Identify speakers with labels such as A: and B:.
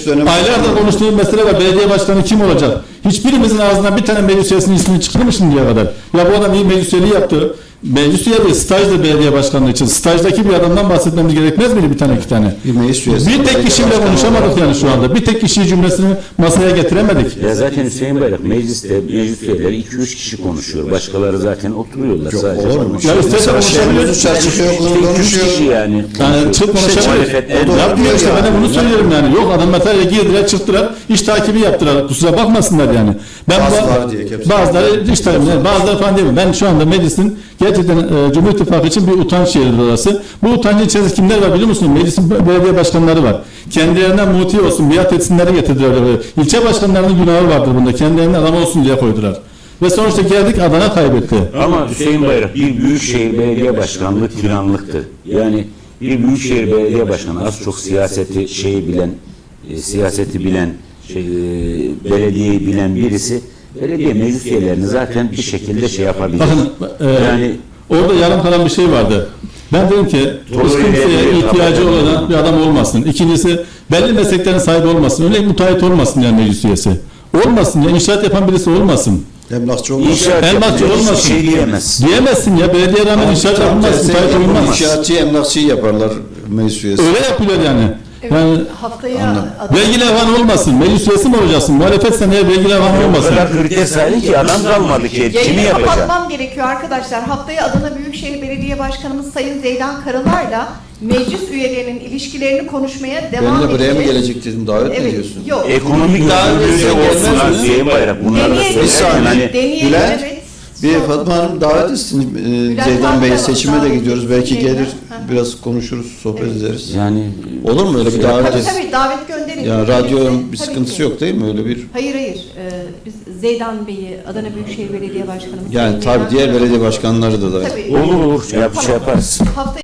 A: dönemi.
B: Aylardır konuştuğum mesele var. Belediye başkanı kim olacak? Hiçbirimizin ağzından bir tane meclis üyesinin ismini çıktı mı şimdiye kadar? Ya bu adam iyi meclis üyeliği yaptı. Meclis üyeliği stajda belediye başkanlığı için. Stajdaki bir adamdan bahsetmemiz gerekmez miydi bir tane iki tane?
A: Bir meclis üyesi.
B: Bir tek kişiyle konuşamadık yani şu anda. Bir tek kişi cümlesini masaya getiremedik.
C: Ya zaten Hüseyin Bayrak mecliste meclis üyeleri 2-3 kişi konuşuyor. Başkaları zaten oturuyorlar sadece.
A: Olur mu?
B: Ya istersen konuşabiliriz.
A: Çarşıya
C: İşte 2-3
A: konuşuyor.
C: kişi yani.
B: Yani çık konuşabiliriz.
C: Muhalefetten
B: Yapmıyor işte, ben de bunu söylüyorum yani. Yok adam materyale girdiler, çıktılar, iş takibi yaptılar. Kusura bakmasınlar yani. Ben
A: Bazıları diye hepsi.
B: bazıları iş takibi, yani bazıları falan değil mi? Ben şu anda meclisin gerçekten Cumhur İttifakı için bir utanç yeridir orası. Bu utancın içerisinde kimler var biliyor musun? Meclisin belediye başkanları var. Kendilerinden muti olsun, biat etsinleri getirdiler. İlçe başkanlarının günahı vardır bunda. Kendilerinden adam olsun diye koydular. Ve sonuçta geldik Adana kaybetti.
C: Ama Hüseyin Bayrak bir büyükşehir belediye başkanlığı tiranlıktır. Yani bir büyükşehir belediye başkanı az çok siyaseti bilen, belediyeyi bilen birisi belediye meclis üyelerini zaten bir şekilde yapabilir.
B: Bakın
C: yani
B: orada yarım kalan bir şey vardı. Ben dedim ki hiç kimseye ihtiyacı olan bir adam olmasın. İkincisi belli mesleklerin sahibi olmasın. Örneğin müteahhit olmasın yani meclis üyesi. Olmasın ya, inşaat yapan birisi olmasın.
A: Emlakçı olmaz.
B: Emlakçı olmasın.
C: Hiçbir şey diyemez.
B: Diyemezsin ya, belediye rağmen inşaat yapılmaz, müteahhit olunmaz.
A: İnşaatçıyı, emlakçıyı yaparlar meclis üyesi.
B: Öyle yapılıyor yani.
D: Evet,
B: Yani
D: haftaya
B: vergi levhan olmasın, meclis üyesi mi olacaksın? Muhalefetsen eğer vergi levhan
C: O
B: olmasın.
C: kadar kriter sayın ki adam kalmadı ki. Kimi
D: yayını
C: yapacak?
D: kapatmam gerekiyor arkadaşlar. Haftaya Adana Büyükşehir Belediye Başkanımız Sayın Zeydan Karalar'la meclis üyelerinin ilişkilerini konuşmaya devam
A: Ben de buraya mı
D: edeceğiz.
A: gelecek dedim, davet mi
D: Evet,
A: ediyorsun?
D: yok.
C: Ekonomik
A: Daha
C: özgürlüğü
A: önce
C: de olsun
A: gelmez mi?
C: Hüseyin Bayrak. Bunları da
D: Deneyelim.
A: Bir
C: söyleyin.
A: saniye.
C: Hani
D: Deneyelim,
A: Bülent,
D: evet.
A: Bir Fatma Hanım davet etsin. Zeydan Bey'e seçime de gidiyoruz. Belki gelir, biraz konuşuruz, sohbet ederiz.
C: yani
A: Olur mu öyle bir davet
D: Tabii
A: etsin?
D: tabii davet gönderin.
A: Ya radyonun bir
D: Tabii
A: sıkıntısı
D: ki.
A: yok değil mi öyle bir?
D: Hayır hayır. Biz Zeydan Bey'i Adana Büyükşehir Belediye Başkanımız.
A: Yani
D: Sayın
A: tabii
D: Zeydan
A: diğer
D: Karalar-
A: belediye başkanları da davet.
D: Tabii.
C: olur yaparız.
D: Haftaya